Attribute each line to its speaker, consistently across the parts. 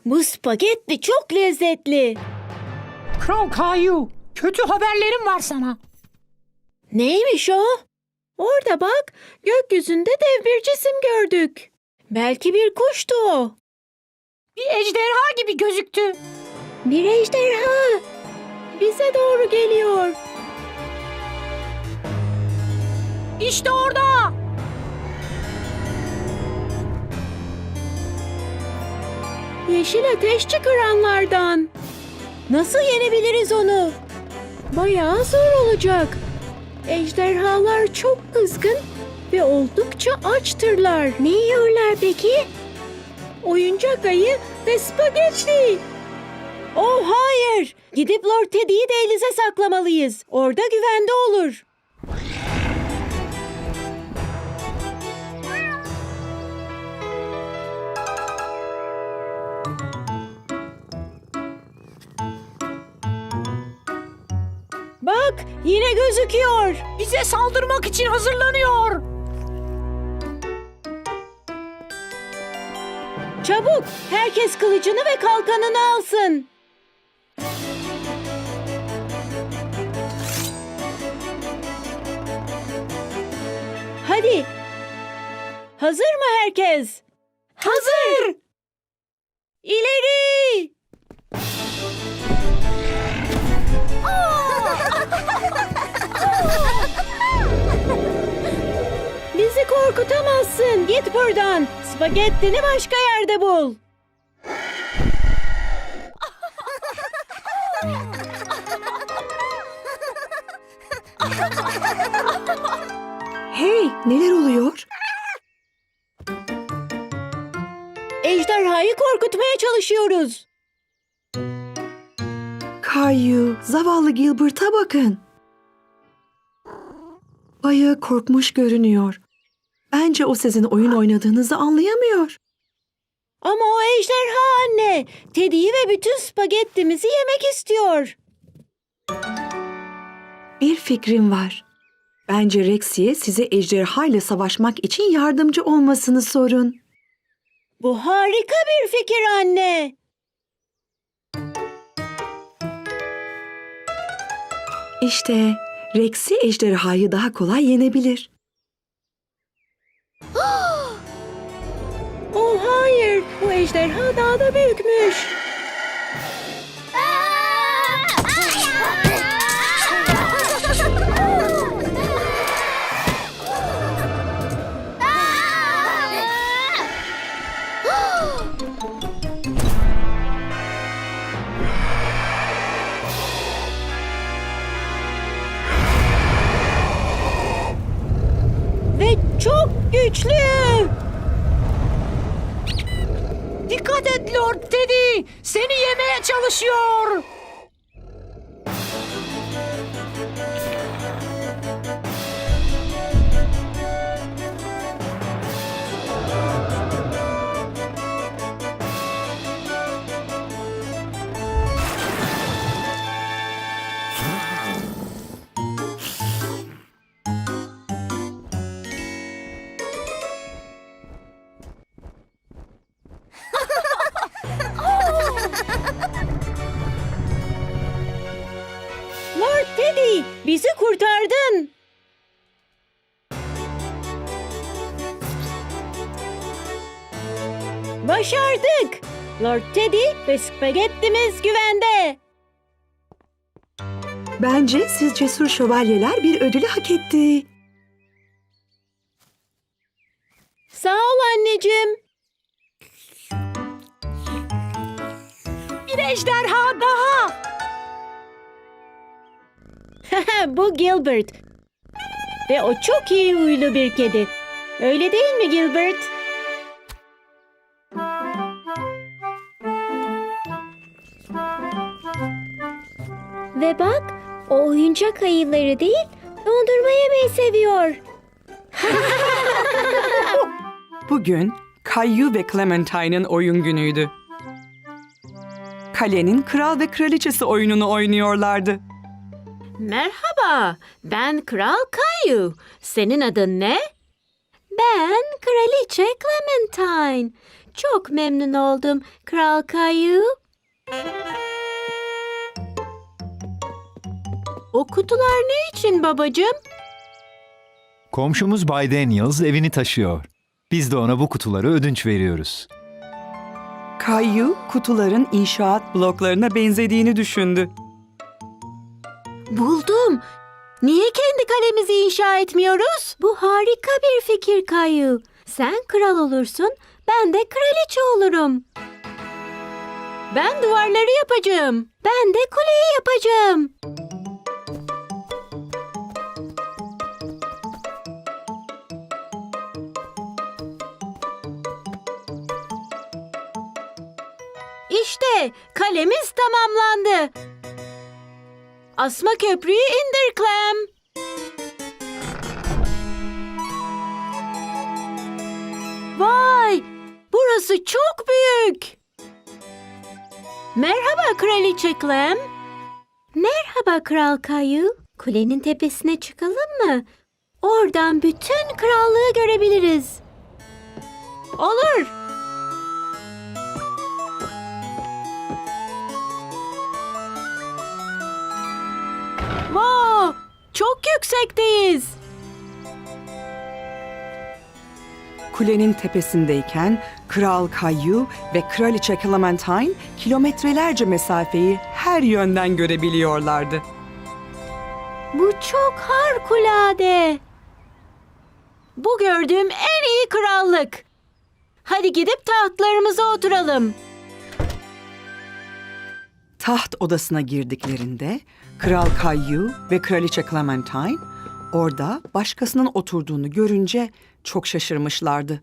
Speaker 1: Bu spagetti çok lezzetli.
Speaker 2: Kral Kayu, kötü haberlerim var sana.
Speaker 1: Neymiş o? Orada bak, gökyüzünde dev bir cisim gördük. Belki bir kuştu o.
Speaker 2: Bir ejderha gibi gözüktü.
Speaker 1: Bir ejderha. Bize doğru geliyor.
Speaker 2: İşte orada.
Speaker 1: Yeşil ateş çıkaranlardan. Nasıl yenebiliriz onu? Bayağı zor olacak. Ejderhalar çok kızgın ve oldukça açtırlar. Ne yiyorlar peki? Oyuncak ayı ve spagetti. Oh hayır! Gidip Lord Teddy'yi dehlize saklamalıyız. Orada güvende olur. Bak, yine gözüküyor.
Speaker 2: Bize saldırmak için hazırlanıyor.
Speaker 1: Çabuk, herkes kılıcını ve kalkanını alsın. Hadi. Hazır mı herkes? Hazır. İleri. Bizi korkutamazsın. Git buradan. Spagettini başka yerde bul.
Speaker 3: Hey, neler oluyor?
Speaker 1: Ejderhayı korkutmaya çalışıyoruz.
Speaker 3: Kayu, zavallı Gilbert'a bakın. Bayağı korkmuş görünüyor. Bence o sizin oyun oynadığınızı anlayamıyor.
Speaker 1: Ama o ejderha anne. Teddy'yi ve bütün spagettimizi yemek istiyor.
Speaker 3: Bir fikrim var. Bence Rexy'ye size ejderha ile savaşmak için yardımcı olmasını sorun.
Speaker 1: Bu harika bir fikir anne.
Speaker 3: İşte Rexy ejderhayı daha kolay yenebilir.
Speaker 1: Oh hayır, bu ejderha daha da büyükmüş. Ve çok güçlü.
Speaker 2: Dikkat et Lord Teddy. Seni yemeye çalışıyor.
Speaker 1: Lord Teddy, bizi kurtardın. Başardık. Lord Teddy ve spagettimiz güvende.
Speaker 3: Bence siz cesur şövalyeler bir ödülü hak etti.
Speaker 1: Sağ ol anneciğim.
Speaker 2: Bir ejderha daha.
Speaker 1: Bu Gilbert. Ve o çok iyi huylu bir kedi. Öyle değil mi Gilbert? Ve bak, o oyuncak ayıları değil, dondurma yemeyi seviyor.
Speaker 4: Bugün Kayu ve Clementine'ın oyun günüydü. Kalenin kral ve kraliçesi oyununu oynuyorlardı.
Speaker 1: Merhaba, ben Kral Kayu. Senin adın ne? Ben Kraliçe Clementine. Çok memnun oldum Kral Kayu. O kutular ne için babacığım?
Speaker 5: Komşumuz Bay Daniels evini taşıyor. Biz de ona bu kutuları ödünç veriyoruz.
Speaker 4: Kayu kutuların inşaat bloklarına benzediğini düşündü.
Speaker 1: Buldum. Niye kendi kalemizi inşa etmiyoruz? Bu harika bir fikir Kayu. Sen kral olursun, ben de kraliçe olurum. Ben duvarları yapacağım. Ben de kuleyi yapacağım. İşte kalemiz tamamlandı. Asma köprüyü indir Clem. Vay! Burası çok büyük. Merhaba Kraliçe Clem. Merhaba Kral Kayu. Kulenin tepesine çıkalım mı? Oradan bütün krallığı görebiliriz. Olur. Wow! Çok yüksekteyiz.
Speaker 4: Kulenin tepesindeyken Kral Kayu ve Kraliçe Clementine kilometrelerce mesafeyi her yönden görebiliyorlardı.
Speaker 1: Bu çok harikulade. Bu gördüğüm en iyi krallık. Hadi gidip tahtlarımıza oturalım.
Speaker 4: Taht odasına girdiklerinde Kral Kayu ve Kraliçe Clementine orada başkasının oturduğunu görünce çok şaşırmışlardı.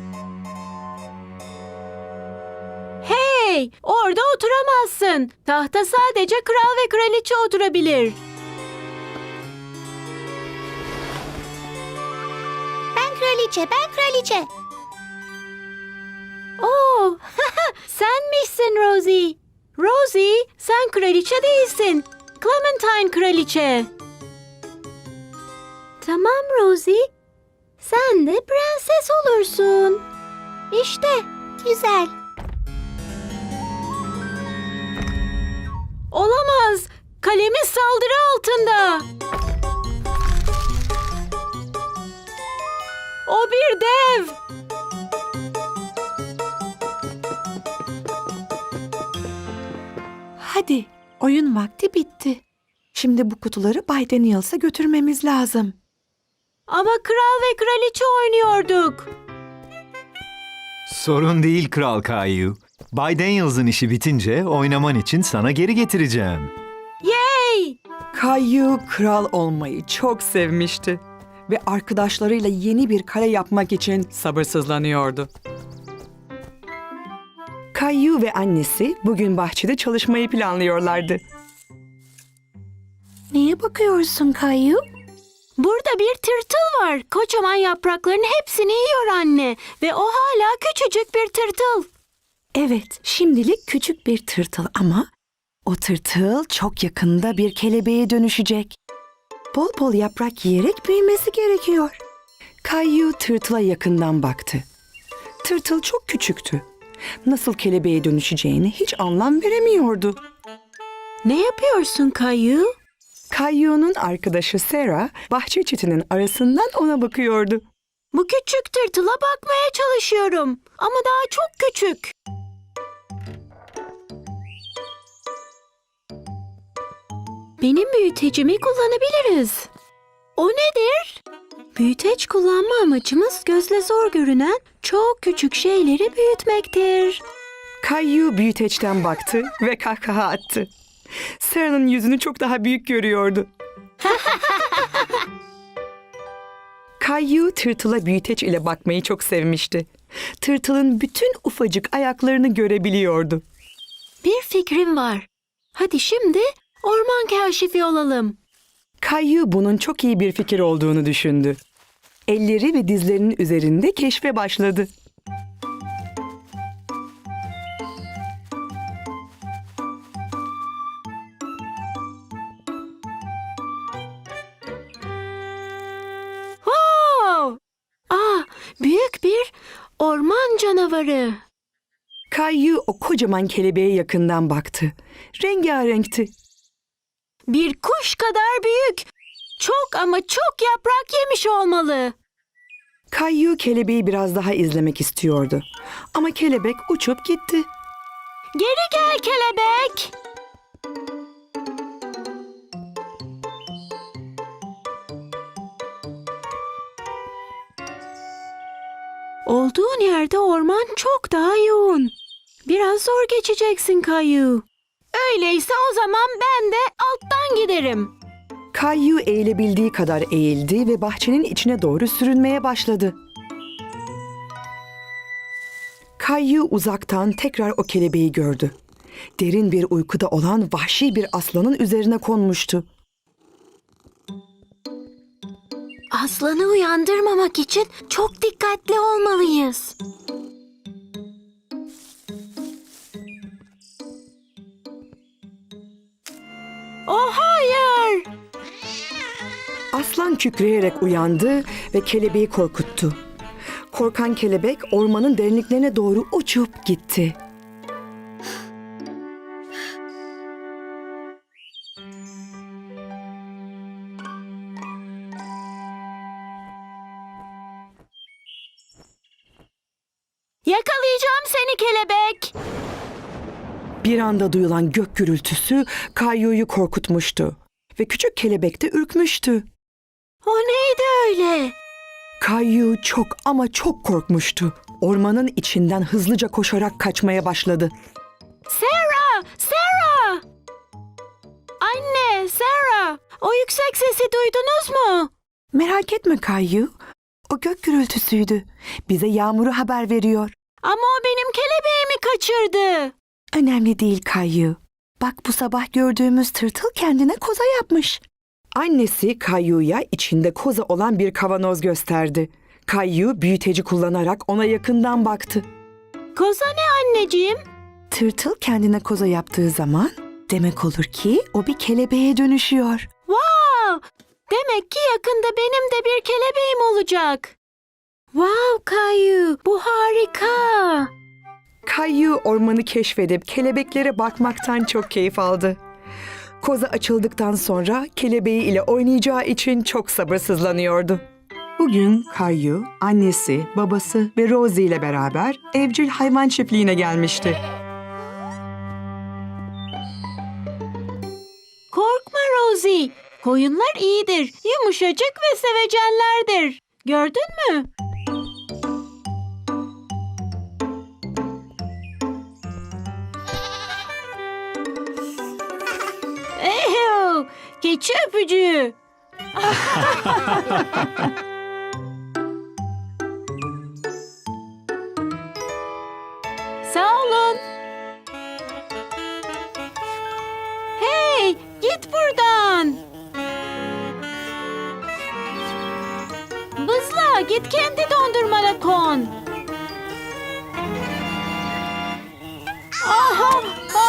Speaker 1: Hey, orada oturamazsın. Tahta sadece kral ve kraliçe oturabilir.
Speaker 6: Ben kraliçe.
Speaker 1: Oo, senmişsin Rosie. Rosie, sen kraliçe değilsin. Clementine kraliçe. Tamam Rosie. Sen de prenses olursun. İşte.
Speaker 6: Güzel.
Speaker 1: Olamaz. Kalemiz saldırı altında. O bir dev.
Speaker 3: Hadi, oyun vakti bitti. Şimdi bu kutuları Bay Daniels'a götürmemiz lazım.
Speaker 1: Ama kral ve kraliçe oynuyorduk.
Speaker 5: Sorun değil Kral Kayu. Bay Daniels'ın işi bitince oynaman için sana geri getireceğim.
Speaker 1: Yay!
Speaker 4: Kayu kral olmayı çok sevmişti ve arkadaşlarıyla yeni bir kale yapmak için sabırsızlanıyordu. Kayu ve annesi bugün bahçede çalışmayı planlıyorlardı.
Speaker 3: Neye bakıyorsun Kayu?
Speaker 1: Burada bir tırtıl var. Kocaman yaprakların hepsini yiyor anne. Ve o hala küçücük bir tırtıl.
Speaker 3: Evet, şimdilik küçük bir tırtıl ama o tırtıl çok yakında bir kelebeğe dönüşecek. Bol bol yaprak yiyerek büyümesi gerekiyor. Kayu tırtıla yakından baktı. Tırtıl çok küçüktü. Nasıl kelebeğe dönüşeceğini hiç anlam veremiyordu.
Speaker 1: Ne yapıyorsun Kayu?
Speaker 4: Kayu'nun arkadaşı Sarah, bahçe çitinin arasından ona bakıyordu.
Speaker 1: Bu küçük tırtıla bakmaya çalışıyorum. Ama daha çok küçük. Benim büyütecimi kullanabiliriz. O nedir? Büyüteç kullanma amacımız gözle zor görünen çok küçük şeyleri büyütmektir.
Speaker 4: Kayu büyüteçten baktı ve kahkaha attı. Sarah'ın yüzünü çok daha büyük görüyordu. Kayu tırtıla büyüteç ile bakmayı çok sevmişti. Tırtılın bütün ufacık ayaklarını görebiliyordu.
Speaker 1: Bir fikrim var. Hadi şimdi orman kaşifi olalım.
Speaker 4: Kayu bunun çok iyi bir fikir olduğunu düşündü. Elleri ve dizlerinin üzerinde keşfe başladı.
Speaker 1: Wow! Büyük bir orman canavarı.
Speaker 3: Kayu o kocaman kelebeğe yakından baktı. Rengarenkti.
Speaker 1: Bir kuş kadar büyük. Çok ama çok yaprak yemiş olmalı.
Speaker 3: Kayu kelebeği biraz daha izlemek istiyordu. Ama kelebek uçup gitti.
Speaker 1: Geri gel kelebek. Olduğun yerde orman çok daha yoğun. Biraz zor geçeceksin Kayu. Öyleyse o zaman ben de alttan giderim.
Speaker 3: Kayu eğilebildiği kadar eğildi ve bahçenin içine doğru sürünmeye başladı. Kayu uzaktan tekrar o kelebeği gördü. Derin bir uykuda olan vahşi bir aslanın üzerine konmuştu.
Speaker 1: Aslanı uyandırmamak için çok dikkatli olmalıyız. Oh hayır!
Speaker 3: Aslan kükreyerek uyandı ve kelebeği korkuttu. Korkan kelebek ormanın derinliklerine doğru uçup gitti.
Speaker 1: Yakalayacağım seni kelebek.
Speaker 3: Bir anda duyulan gök gürültüsü Kayu'yu korkutmuştu ve küçük kelebek de ürkmüştü.
Speaker 1: O neydi öyle?
Speaker 3: Kayu çok ama çok korkmuştu. Ormanın içinden hızlıca koşarak kaçmaya başladı.
Speaker 1: Sarah! Sarah! Anne, Sarah! O yüksek sesi duydunuz mu?
Speaker 3: Merak etme Kayu. O gök gürültüsüydü. Bize yağmuru haber veriyor.
Speaker 1: Ama o benim kelebeğimi kaçırdı.
Speaker 3: Önemli değil Kayu. Bak bu sabah gördüğümüz tırtıl kendine koza yapmış. Annesi Kayu'ya içinde koza olan bir kavanoz gösterdi. Kayu büyüteci kullanarak ona yakından baktı.
Speaker 1: Koza ne anneciğim?
Speaker 3: Tırtıl kendine koza yaptığı zaman demek olur ki o bir kelebeğe dönüşüyor.
Speaker 1: Wow! Demek ki yakında benim de bir kelebeğim olacak. Wow Kayu, bu harika.
Speaker 3: Kayu ormanı keşfedip kelebeklere bakmaktan çok keyif aldı. Koza açıldıktan sonra kelebeği ile oynayacağı için çok sabırsızlanıyordu. Bugün Kayu, annesi, babası ve Rosie ile beraber evcil hayvan çiftliğine gelmişti.
Speaker 1: Korkma Rosie. Koyunlar iyidir, yumuşacık ve sevecenlerdir. Gördün mü? Eyo, keçi öpücüğü. Sağ olun. Hey, git buradan. Bızla, git kendi dondurmana kon. Aha,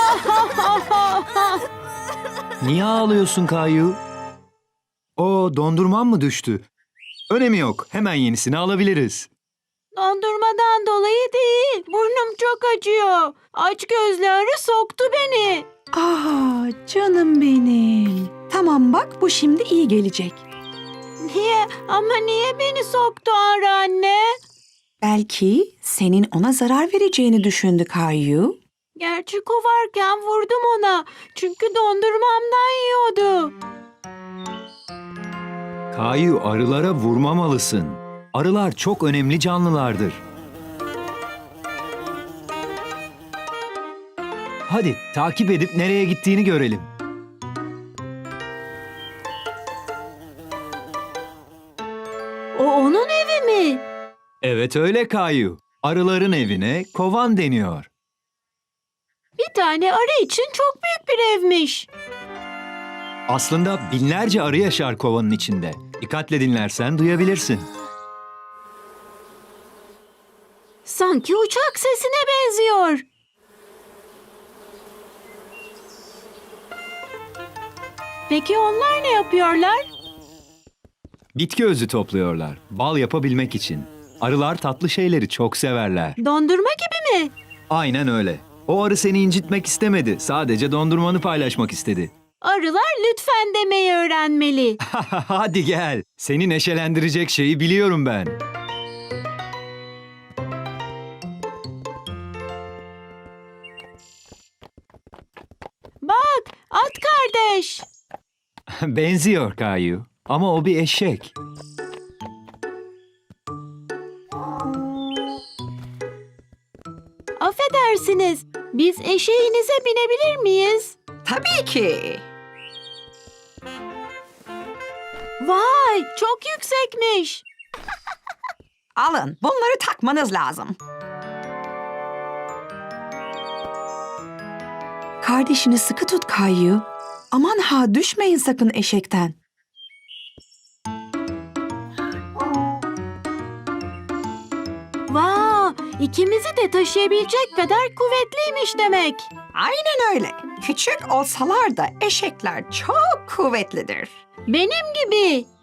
Speaker 5: Niye ağlıyorsun Kayu? O dondurman mı düştü? Önemi yok. Hemen yenisini alabiliriz.
Speaker 1: Dondurmadan dolayı değil. Burnum çok acıyor. Aç gözlü arı soktu beni.
Speaker 3: Canım benim. Tamam bak bu şimdi iyi gelecek.
Speaker 1: Niye? Ama niye beni soktu arı anne?
Speaker 3: Belki senin ona zarar vereceğini düşündü Kayu.
Speaker 1: Gerçi kovarken vurdum ona. Çünkü dondurmamdan yiyordu.
Speaker 5: Kayu, arılara vurmamalısın. Arılar çok önemli canlılardır. Hadi takip edip nereye gittiğini görelim.
Speaker 1: O onun evi mi?
Speaker 5: Evet öyle Kayu. Arıların evine kovan deniyor.
Speaker 1: Bir tane arı için çok büyük bir evmiş.
Speaker 5: Aslında binlerce arı yaşar kovanın içinde. Dikkatle dinlersen duyabilirsin.
Speaker 1: Sanki uçak sesine benziyor. Peki onlar ne yapıyorlar?
Speaker 5: Bitki özü topluyorlar. Bal yapabilmek için. Arılar tatlı şeyleri çok severler.
Speaker 1: Dondurma gibi mi?
Speaker 5: Aynen öyle. O arı seni incitmek istemedi. Sadece dondurmanı paylaşmak istedi.
Speaker 1: Arılar lütfen demeyi öğrenmeli.
Speaker 5: Hadi gel. Seni neşelendirecek şeyi biliyorum ben.
Speaker 1: Bak, at kardeş.
Speaker 5: Benziyor Kayu. Ama o bir eşek.
Speaker 1: Affedersiniz, biz eşeğinize binebilir miyiz?
Speaker 4: Tabii ki.
Speaker 1: Vay, çok yüksekmiş.
Speaker 4: Alın, bunları takmanız lazım.
Speaker 3: Kardeşini sıkı tut Kayu. Aman ha düşmeyin sakın eşekten.
Speaker 1: Vay, ikimizi de taşıyabilecek kadar kuvvetliymiş demek.
Speaker 4: Aynen öyle. Küçük olsalar da eşekler çok kuvvetlidir.
Speaker 1: Benim gibi.